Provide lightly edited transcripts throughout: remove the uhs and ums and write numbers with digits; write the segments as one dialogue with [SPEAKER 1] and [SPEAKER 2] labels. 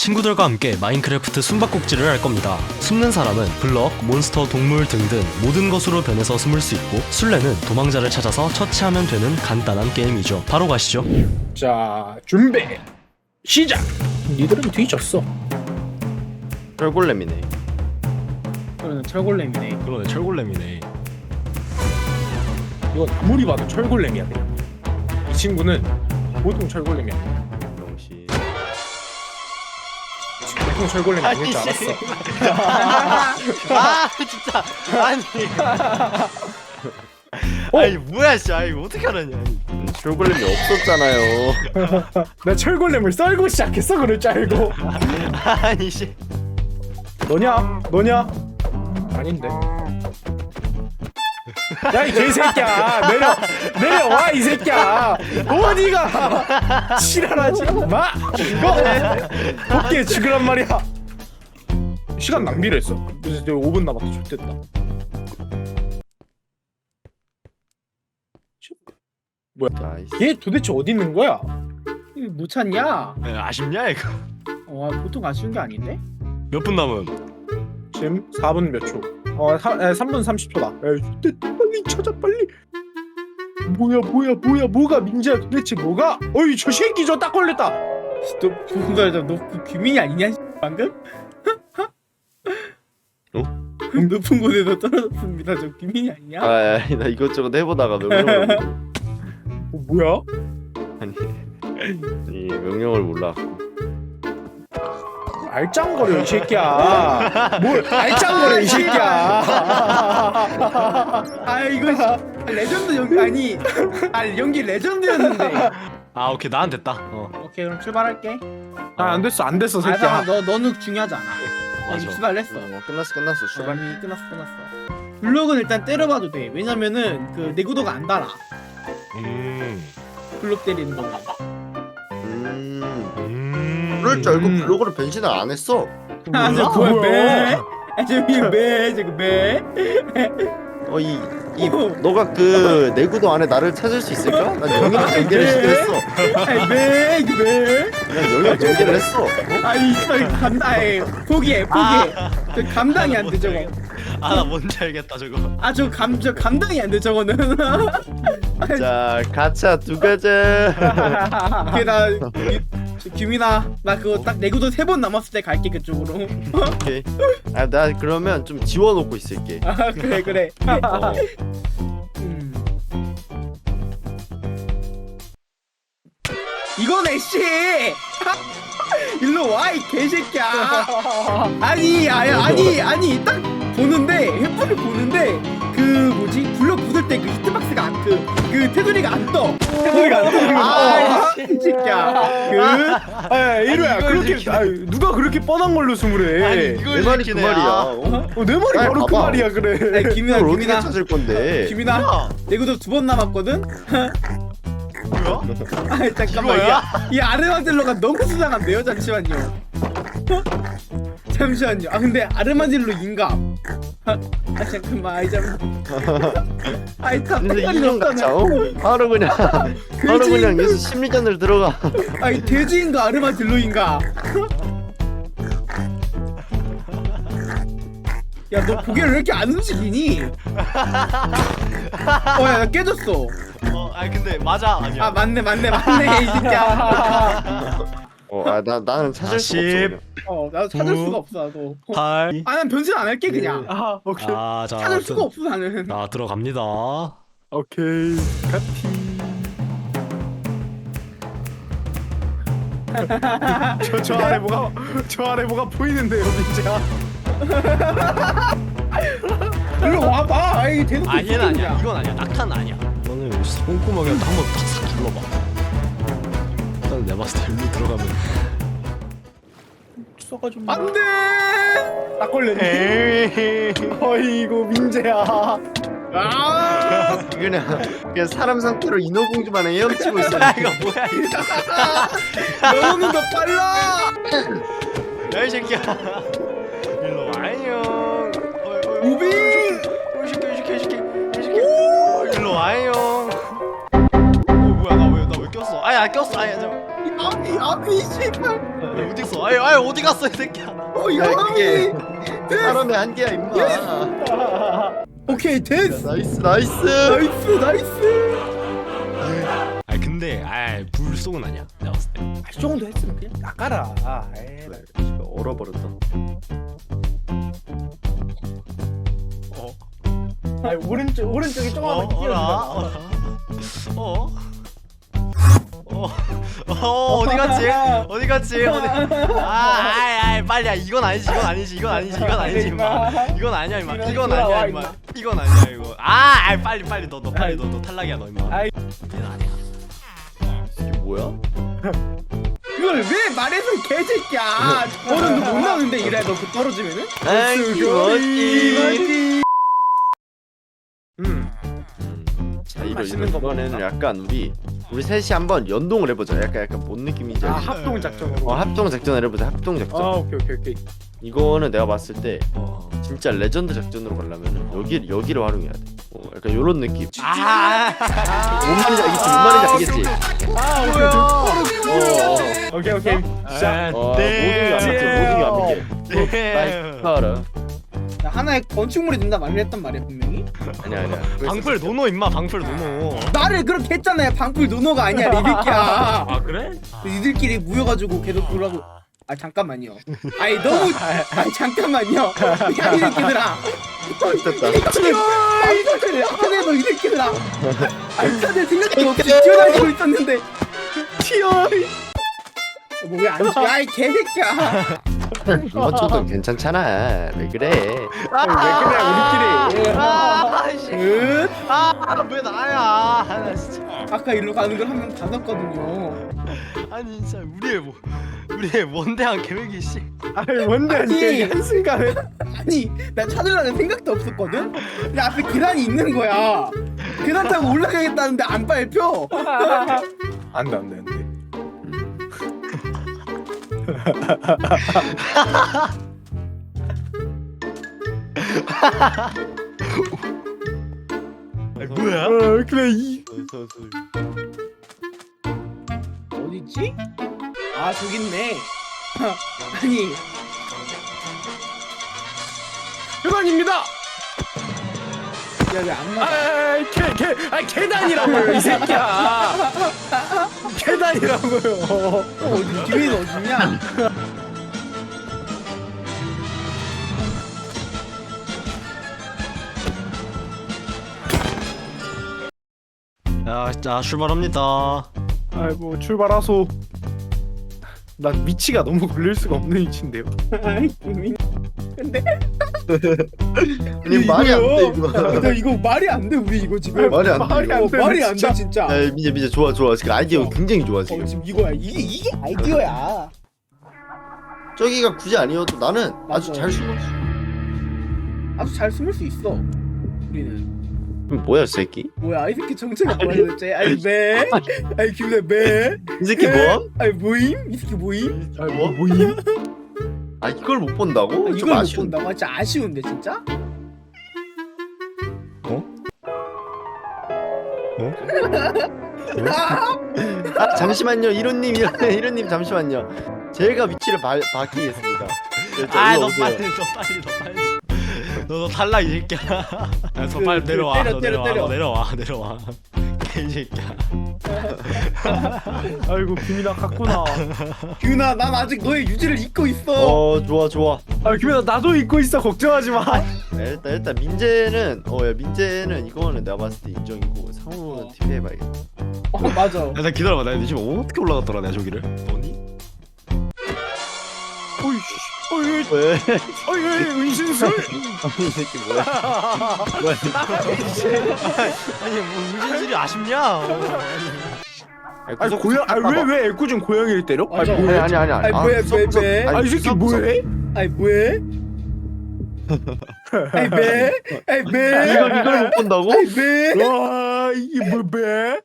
[SPEAKER 1] 친구들과 함께 마인크래프트 숨바꼭질을 할 겁니다. 숨는 사람은 블럭, 몬스터, 동물 등등 모든 것으로 변해서 숨을 수 있고, 술래는 도망자를 찾아서 처치하면 되는 간단한 게임이죠. 바로 가시죠.
[SPEAKER 2] 자, 준비 시작. 니들은 뒤졌어.
[SPEAKER 3] 철골렘이네.
[SPEAKER 2] 그러면 철골렘이네.
[SPEAKER 1] 그러네, 철골렘이네.
[SPEAKER 2] 이건 아무리 봐도 철골렘이야. 그냥 이 친구는 보통 철골렘이야.
[SPEAKER 3] 영시.
[SPEAKER 2] 보통 철골렘이 아닐 줄 알았어.
[SPEAKER 3] 아 진짜. 아니. 아니 뭐야 씨. 아니 어떻게 알았냐. 철골렘이 없었잖아요.
[SPEAKER 2] 나 철골렘을 썰고 시작했어. 그럴 줄 알고.
[SPEAKER 3] 아니 씨.
[SPEAKER 2] 너냐? 아닌데. 야 이 개새끼야, 내려와 이 새끼야. 어디가 지랄하지 마. 이거 복귀해 죽으란 말이야. 시간 낭비를 했어. 이제 5분 남았다. 좋됐다.
[SPEAKER 3] 나이스.
[SPEAKER 2] 얘 도대체 어디 있는 거야?
[SPEAKER 4] 이거 못 찾냐?
[SPEAKER 1] 아쉽냐 이거?
[SPEAKER 4] 보통 아쉬운 게 아닌데?
[SPEAKER 1] 몇 분 남은?
[SPEAKER 2] 지금 4분 몇 초? 3분 30초다. 에이, 됐다. 빨리 찾아 빨리. 뭐가 민재야 도대체 뭐가? 어이 저 새끼 저 딱 걸렸다.
[SPEAKER 4] 너 그 귀민이 아니냐? 방금? 높은 곳에서 떨어졌습니다. 저 귀민이 아니냐?
[SPEAKER 3] 아니 나 이것저것 해보다가 명령을
[SPEAKER 2] 뭐야?
[SPEAKER 3] 아니 명령을 몰라.
[SPEAKER 2] 알짱거려 이 새끼야. 뭘 알짱거려 이 새끼야.
[SPEAKER 4] 이거 레전드 연기 아니. 연기 레전드였는데.
[SPEAKER 1] 아 오케이, 나는 됐다.
[SPEAKER 4] 오케이 그럼 출발할게.
[SPEAKER 2] 안 됐어 새끼야.
[SPEAKER 4] 너는 중요하지 않아.
[SPEAKER 1] 맞아.
[SPEAKER 4] 출발했어.
[SPEAKER 3] 끝났어 출발.
[SPEAKER 4] 이미 끝났어. 블록은 일단 때려봐도 돼. 왜냐면은 그 내구도가 안 달아. 블록 때리는 거.
[SPEAKER 3] 그럴 줄 알고 블로그를 변신을 안 했어.
[SPEAKER 4] 저 뭐야 매? 저기 매.
[SPEAKER 3] 이 너가 그 내구도 안에 나를 찾을 수 있을까? 난 영역 전개를 시도했어.
[SPEAKER 4] 매.
[SPEAKER 3] 난 영역 전개를 했어.
[SPEAKER 4] 포기해. 저 감당이 안 돼 저거.
[SPEAKER 1] 나 뭔지 알겠다 저거.
[SPEAKER 4] 저 감당이 안 돼 저거는.
[SPEAKER 3] 자 가차 두 가자.
[SPEAKER 4] 오케이 규민아 나 그거 딱 내구도 3번 남았을 때 갈게 그쪽으로.
[SPEAKER 3] 오케이. 나 그러면 좀 지워놓고 있을게.
[SPEAKER 4] 그래. 이거네 씨. 일로 와 이 개새끼야. 아니 딱 보는데 횃불을 보는데 그 뭐지 블럭 부술 때 그 히트박스가 안 그 테두리가 안 떠. 테두리가 안 떠. 이 새끼야.
[SPEAKER 2] 이루야 그렇게 누가 그렇게 뻔한 걸로 숨을 해?
[SPEAKER 3] 내 말이 그 말이야.
[SPEAKER 2] 내 말이 바로 그
[SPEAKER 3] 봐봐.
[SPEAKER 2] 말이야 그래.
[SPEAKER 4] 김이나
[SPEAKER 3] 이걸 어떻게 찾을 건데?
[SPEAKER 4] 김이나 내구도 2번 남았거든.
[SPEAKER 1] 뭐야?
[SPEAKER 4] 잠깐만 이 아르마딜로가 너무 수상한데요. 잠시만요. 근데 아르마딜로 인감. 잠깐만 참.
[SPEAKER 3] 근데 인형 같자. 바로 그냥 여기서 심리전을 들어가.
[SPEAKER 4] 돼지인가 아르마딜로인가? 야 너 고개를 왜 이렇게 안 움직이니? 야 나 깨졌어.
[SPEAKER 1] 근데 맞아 아니야.
[SPEAKER 4] 맞네 이 새끼야.
[SPEAKER 3] 나는 찾을 수가 없어.
[SPEAKER 4] 나도 찾을 수가 없어 나도.
[SPEAKER 1] 8.
[SPEAKER 4] 난 변신 안 할게 그냥.
[SPEAKER 2] 오케이.
[SPEAKER 1] 자,
[SPEAKER 4] 찾을 수가 없어 나는.
[SPEAKER 1] 나 들어갑니다.
[SPEAKER 2] 오케이. 카티. 저 아래 뭐가 보이는데요, 민재야.
[SPEAKER 4] 일로 와봐. 대놓고
[SPEAKER 1] 얘는 아니야. 이건 아니야. 낙타는 아니야. 너는 꼼꼼하게 한번 탁 길러봐. 일단 내가 봤을 때 일로 들어가면
[SPEAKER 4] 써가지고.
[SPEAKER 2] 안돼. 딱 걸렸네. 어이구 민재야.
[SPEAKER 3] 그냥 사람 상태로 인어공주만 헤엄치고 있어.
[SPEAKER 1] 이거 뭐야 이거.
[SPEAKER 4] 너는 더 빨라.
[SPEAKER 1] 야 이 새끼야. 일로 와요.
[SPEAKER 4] 무빙.
[SPEAKER 1] 이 새끼. 일로 와요. 뭐야 나 왜 꼈어? 꼈어.
[SPEAKER 4] 아니 씨발.
[SPEAKER 1] 어디 있어? 아이 어디 갔어 이 새끼야?
[SPEAKER 3] 그게 사람의 한계야 임마.
[SPEAKER 4] 오케이 됐어.
[SPEAKER 3] 나이스 나이스.
[SPEAKER 4] 나이스 나이스.
[SPEAKER 1] 아 근데 불속은 아니야. 내가 봤을 때.
[SPEAKER 4] 이 정도 했으면 그냥 나가라. 에이, 나-
[SPEAKER 3] 얼어버렸다.
[SPEAKER 4] 아니 오른쪽에 조금만 끼워주라.
[SPEAKER 1] 어디 갔지? 어디 갔지? 빨리야 이건 아니지 임마. 이건 아니야 임마. 이건 아니야 임마. 이건 아니야 이거. 빨리 너 빨리 너 탈락이야 너 임마.
[SPEAKER 4] 아이.
[SPEAKER 1] 얘는 아니야.
[SPEAKER 3] 이게 뭐야?
[SPEAKER 4] 그걸 왜 말해서 개새끼야. 저거는 못 나오는데 이래 너 그 떨어지면은.
[SPEAKER 3] 멋지. 자
[SPEAKER 4] 맛있는 거
[SPEAKER 3] 이번에는 약간 우리 셋이 한번 연동을 해보자. 약간 뭔 느낌인지 알지?
[SPEAKER 4] 합동 작전으로.
[SPEAKER 3] 합동 작전을 해보자. 합동 작전.
[SPEAKER 4] 오케이.
[SPEAKER 3] 이거는 내가 봤을 때 진짜 레전드 작전으로 가려면은 여기를 활용해야 돼. 약간 요런 느낌. 뭔 말인지 알겠지?
[SPEAKER 4] 오케이. 시작.
[SPEAKER 3] 모든 게 완벽해. 알아.
[SPEAKER 4] 나 하나의 건축물이 된다 말을 했단 말이야 분명히.
[SPEAKER 3] 아니야.
[SPEAKER 1] 방풀 노노 임마 방풀 노노.
[SPEAKER 4] 나를 그렇게 했잖아요. 방풀 노노가 아니야 이 새끼야.
[SPEAKER 1] 그래?
[SPEAKER 4] 니들끼리 모여가지고 계속 그러고. 잠깐만요. 너무. 잠깐만요. 야 이 새끼들아.
[SPEAKER 3] 됐다.
[SPEAKER 4] 방풀을 하네 너이 새끼들아. 다들 생각이 없이 뛰어다니고 있었는데. 뭐왜안 튀어? 이 개새끼야.
[SPEAKER 3] 이번 정도 괜찮잖아. 왜 그래?
[SPEAKER 4] 왜 그래 우리끼리.
[SPEAKER 1] 왜 나야? 나 진짜.
[SPEAKER 4] 아까 일로 가는 걸 한 명 받았거든요.
[SPEAKER 1] 아니 진짜 우리의 원대한 계획이 씨.
[SPEAKER 2] 뭔데
[SPEAKER 4] 아니.
[SPEAKER 2] 한순간에
[SPEAKER 4] 아니 나 찾으려는 생각도 없었거든. 근데 앞에 계단이 있는 거야. 계단 타고 올라가겠다는데 안 밟혀.
[SPEAKER 2] 안돼.
[SPEAKER 1] 뭐야?
[SPEAKER 2] 그래 이
[SPEAKER 4] 어딨지? 저기 있네. 아니
[SPEAKER 2] 그만입니다.
[SPEAKER 4] 야 왜 안 맞아?
[SPEAKER 2] 계단이라고요 이 새끼야. 계단이라고요.
[SPEAKER 4] 어디 뒤에는 어딨냐?
[SPEAKER 1] 자 출발합니다.
[SPEAKER 2] 아이고 출발하소. 난 위치가 너무 걸릴 수가 없는 위치인데요.
[SPEAKER 4] 근데
[SPEAKER 3] 아니 말이 안 돼 이거.
[SPEAKER 4] 나 이거 말이 안 돼 우리 이거 지금.
[SPEAKER 3] 말이 안 돼.
[SPEAKER 4] 말이 안 돼 진짜.
[SPEAKER 3] 민재 좋아. 지금 아이디어 굉장히 좋아 지금.
[SPEAKER 4] 지금 이거야. 이게 아이디어야.
[SPEAKER 3] 저기가 굳이 아니어도 나는 아주
[SPEAKER 4] 맞아.
[SPEAKER 3] 잘 숨었어.
[SPEAKER 4] 아주 잘 숨을 수 있어. 우리는.
[SPEAKER 3] 그럼 뭐야 이 새끼?
[SPEAKER 4] 뭐야 이 새끼 정체가 뭐야 도대체? 매? 김대 매?
[SPEAKER 3] 이 새끼 뭐?
[SPEAKER 4] 모임? 이 새끼 모임?
[SPEAKER 3] 뭐임? 아 이걸 못 본다고? 좀
[SPEAKER 4] 이걸 못
[SPEAKER 3] 아쉬운.
[SPEAKER 4] 본다고? 진짜 아쉬운데 진짜?
[SPEAKER 3] 잠시만요 이론님 잠시만요. 제가 위치를 바뀌겠습니다.
[SPEAKER 1] 너 빨리. 너 탈락 이 새끼야. 너 빨리 내려와. 내려와. 이 새끼야.
[SPEAKER 2] 아이고 김이나 갔구나.
[SPEAKER 4] 규나 난 아직 너의 유지를 잊고 있어.
[SPEAKER 3] 좋아.
[SPEAKER 2] 아 김이나 나도 잊고 있어. 걱정하지 마.
[SPEAKER 3] 일단 민재는 이거는 내가 봤을 때 인정이고 상우는 TV 해봐야겠다.
[SPEAKER 4] 맞아.
[SPEAKER 1] 나 기다려봐. 나 지금 어떻게 올라갔더라 내가 저기를. 너니?
[SPEAKER 2] 왜?
[SPEAKER 3] 왜?
[SPEAKER 2] 은신술.
[SPEAKER 3] 이 새끼 뭐야?
[SPEAKER 1] 아니 뭐 문신술이 아쉽냐?
[SPEAKER 2] 아니 고양. 왜 애꿎은 고양이를 때려?
[SPEAKER 4] 맞아.
[SPEAKER 3] 아니.
[SPEAKER 4] 뭐해?
[SPEAKER 2] 이 새끼 뭐해?
[SPEAKER 4] 뭐해? 매?
[SPEAKER 3] 이걸 못 본다고?
[SPEAKER 4] 매?
[SPEAKER 2] 와 이게 뭐야?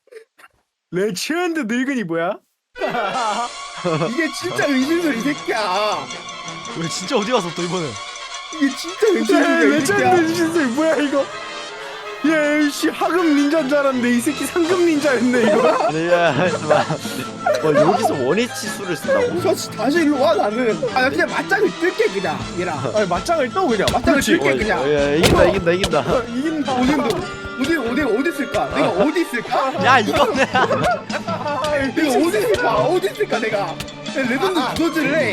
[SPEAKER 2] 레전드 늙은이 뭐야?
[SPEAKER 4] 이게 진짜 은신술 이 새끼야.
[SPEAKER 1] 왜 진짜 어디 갔어 또 이번에?
[SPEAKER 4] 이게 진짜 은신술이야 이
[SPEAKER 2] 레전드
[SPEAKER 4] 새끼야.
[SPEAKER 2] 은신술 뭐야 이거? 얘씨 하급 닌자인 줄 알았는데 이 새끼 상급 닌자였네 이거.
[SPEAKER 3] 아니 야 잠깐만. 여기서 원위치 수를 쓴다고?
[SPEAKER 4] 다시 일로 와 나는. 나 그냥 맞짱을 뜰게 그냥 얘랑.
[SPEAKER 2] 아니 맞짱을 떠 그냥.
[SPEAKER 4] 맞짱을 뜰게
[SPEAKER 3] 야,
[SPEAKER 4] 그냥.
[SPEAKER 3] 야, 이긴다.
[SPEAKER 4] 이긴다. 어디 있을까? 내가 어디 있을까?
[SPEAKER 1] 야 이거는
[SPEAKER 4] 내가 어디 있을까 내가. 레전드 두더지를 해.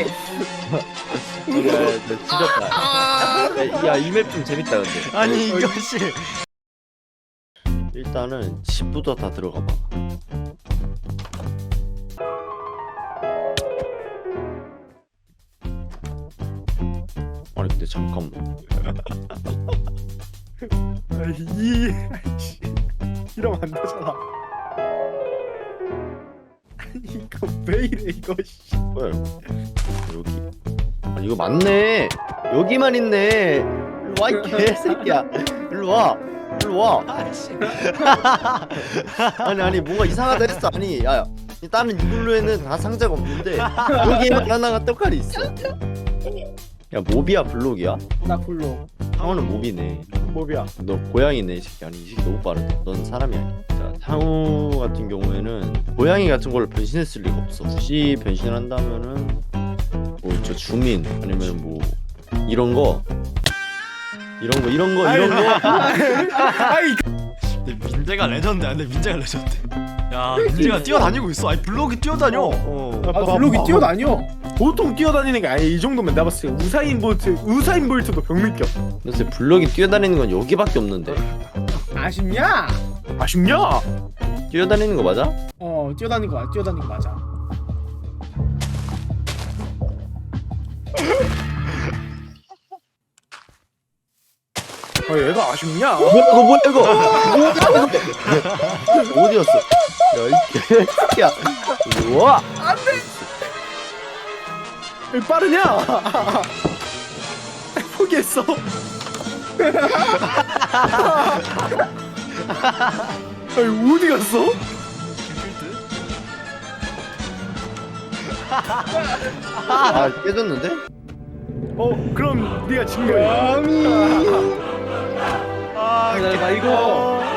[SPEAKER 3] 지렸다. 야이 맵 좀 재밌다 근데.
[SPEAKER 1] 아니 이것이
[SPEAKER 3] 일단은 집부터 다 들어가 봐. 아니 근데 잠깐만.
[SPEAKER 2] 이러면 안 되잖아. 아니 이거 왜 이래 이거 씨.
[SPEAKER 3] 뭐야 이거? 여기. 아니 이거 맞네. 여기만 있네. 일로 와 이 개새끼야. 일로 와. 일로 와. 아니 뭔가 이상하다 했어. 아니 야 다른 이글루에는 다 상자가 없는데 여기에만 하나가 떡갈이 있어. 야 모비야 블록이야?
[SPEAKER 4] 나 불러.
[SPEAKER 3] 상어는 모비네.
[SPEAKER 2] 뭐야?
[SPEAKER 3] 너 고양이네 이 새끼. 아니 이 새끼 너무 빠르다. 넌 사람이 아니야. 자 상우 같은 경우에는 고양이 같은 걸로 변신했을 리가 없어. 굳이 변신한다면은 뭐 저 주민 아니면 뭐 이런 거
[SPEAKER 2] 아이
[SPEAKER 1] 근데 민재가 레전드야. 근데 민재가 레전드. 야 민재가 뛰어다니고 있어. 아니 블록이 뛰어다녀.
[SPEAKER 4] 아 블록이 뛰어다녀.
[SPEAKER 2] 보통 뛰어다니는 게 아니 이 정도면 내가 봤을 때 우사인 볼트도 병 느껴.
[SPEAKER 3] 요새 블럭이 뛰어다니는 건 여기밖에 없는데.
[SPEAKER 4] 아쉽냐?
[SPEAKER 2] 아쉽냐?
[SPEAKER 3] 뛰어다니는 거 맞아?
[SPEAKER 4] 뛰어다니는 거 맞아.
[SPEAKER 2] 얘가 아쉽냐?
[SPEAKER 3] 뭐야 이거 어디였어? 야이 개새끼야. 우와.
[SPEAKER 2] 왜 빠르냐? 포기했어. 아니 어디 갔어?
[SPEAKER 3] 아 깨졌는데?
[SPEAKER 2] 그럼 네가 진 거야.
[SPEAKER 4] 나 이거